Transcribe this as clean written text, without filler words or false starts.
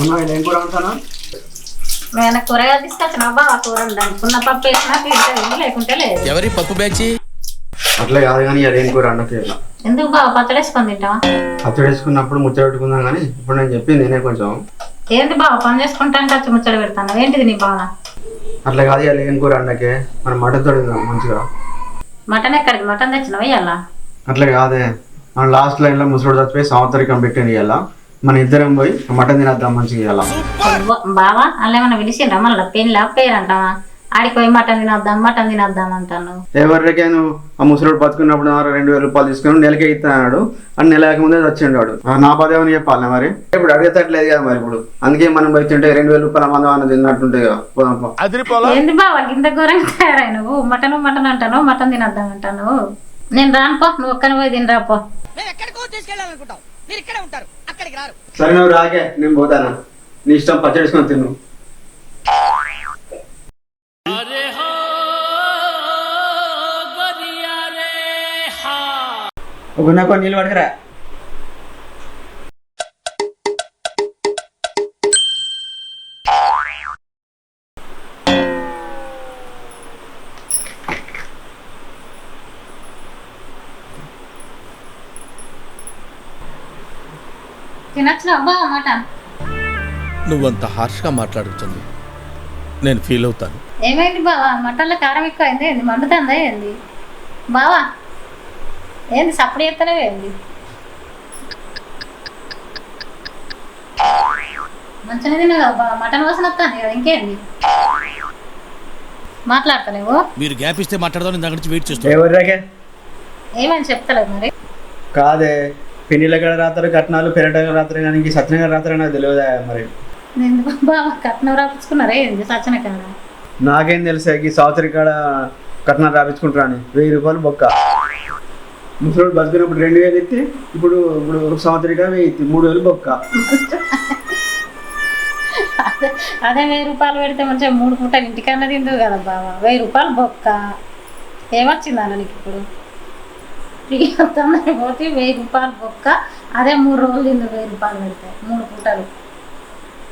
ఏం కూర అంటానా? నేను కూరగాయలు తీసుకొచ్చిన బాగా కూర అనుకున్న పప్పు వేసినా తింటే లేకుంటే లేదు. ఎవరి పప్పు బ్యాచి అట్లా కాదు కానీ ఏం కూర అన్నకి ఎందుకు బాగా పచ్చడి వేసుకొని తింటావా? పచ్చడి వేసుకున్నప్పుడు ముచ్చట పెట్టుకుందాం కానీ ఇప్పుడు నేను చెప్పింది నేనే కొంచెం ఏంటి బాగా పని చేసుకుంటాను ఖర్చు ముచ్చట పెడతాను ఏంటిది నీ బాగా? అట్లా కాదు ఇవాళ ఏం కూర అన్నకే మనం మటన్ తోడిందాం మంచిగా. మటన్ ఎక్కడికి మటన్ తెచ్చినావు ఇవాళ? అట్లా కాదే మనం లాస్ట్ లైన్లో ముసలోడు చచ్చిపోయి సంవత్సరికం పెట్టింది ఇవాళ మన ఇద్దరం పోయి మటన్ తినేద్దాం మంచిగా ఇవాళ. బావా అలా ఏమన్నా పిలిచిండ్రా మళ్ళీ పెళ్ళి పేరంటావా? ఆడికి పోయి మటన్ తినద్దాం అంటాను. ఎవరికే నువ్వు ఆ ముసలోడు బతుకున్నప్పుడు 2000 రూపాయలు తీసుకుని నెలకే ఇస్తున్నాడు అని నెల ముందే వచ్చిండు వాడు. నా పదేమని చెప్పాలి మరి ఇప్పుడు అడిగేటట్లేదు కదా మరి ఇప్పుడు అందుకే మనం పోయి తింటే 2000 రూపాయల మందం అన్న తిన్నట్టుంటాయి కదా. ఏంది బావా ఇంత ఘోరంగా తయారై నువ్వు మటన్ అంటాను మటన్ తినద్దాం అంటాను. నేను రానుపో నువ్వు ఒక్కని పోయి తినరాపో. సరే నువ్వు రాకే నేను పోతాను నీ ఇష్టం పచ్చడిసుకొని తిను. ఒక నీళ్ళు పడకరా. తినచ్చిన బావా మటన్? నువ్వంత హార్ష్గా మాట్లాడుతుంది నేను ఫీల్ అవుతాను. ఏమైంది బావా మటన్లో కారం ఎక్కువ అయింది ఏంది మండుతుందా ఏంది బావా? ఏంది సప్పుడు చేస్తలేవు ఏంది? మంచిగా తిన్నా కదా బావా మటన్ వాసన వస్తుంది కదా ఇంకేంది మాట్లాడతలేవు? మీరు గ్యాప్ ఇస్తే మాట్లాడదాం నేను దగ్గర నుంచి వెయిట్ చేస్తాను. ఎవరికే ఏమని చెప్తలేదు మరి? కాదే పెళ్లిళ్ళ కాడ రాత్రి కట్నాలు పెరట రాత్రి కానీ సత్యనగర్ రాత్రి నాకు తెలియదా మరి? ఎందుకు బావా కట్నం రాపించుకున్నారా ఏంది సచిన కాడ? నాకేం తెలుసా ఈ సంవత్సరం కాడ కట్నాలు రాపించుకుంటారా అని 1000 రూపాయలు బొక్క. ముసలోడు బతికినప్పుడు 2000 ఎత్తి ఇప్పుడు సంవత్సరం కాడ 3000 బొక్క. అదే 1000 రూపాయలు పెడితే మంచిగా 3 పూటలు ఇంటికన్నా తిందు కదా బావా. 1000 రూపాయలు బొక్క ఏమొచ్చిందన్న నీకు ఇప్పుడు? పోతే 1000 రూపాయలు బొక్క అదే 3 రోజులు తిందు 1000 రూపాయలు పెడితే 3 పూటలు.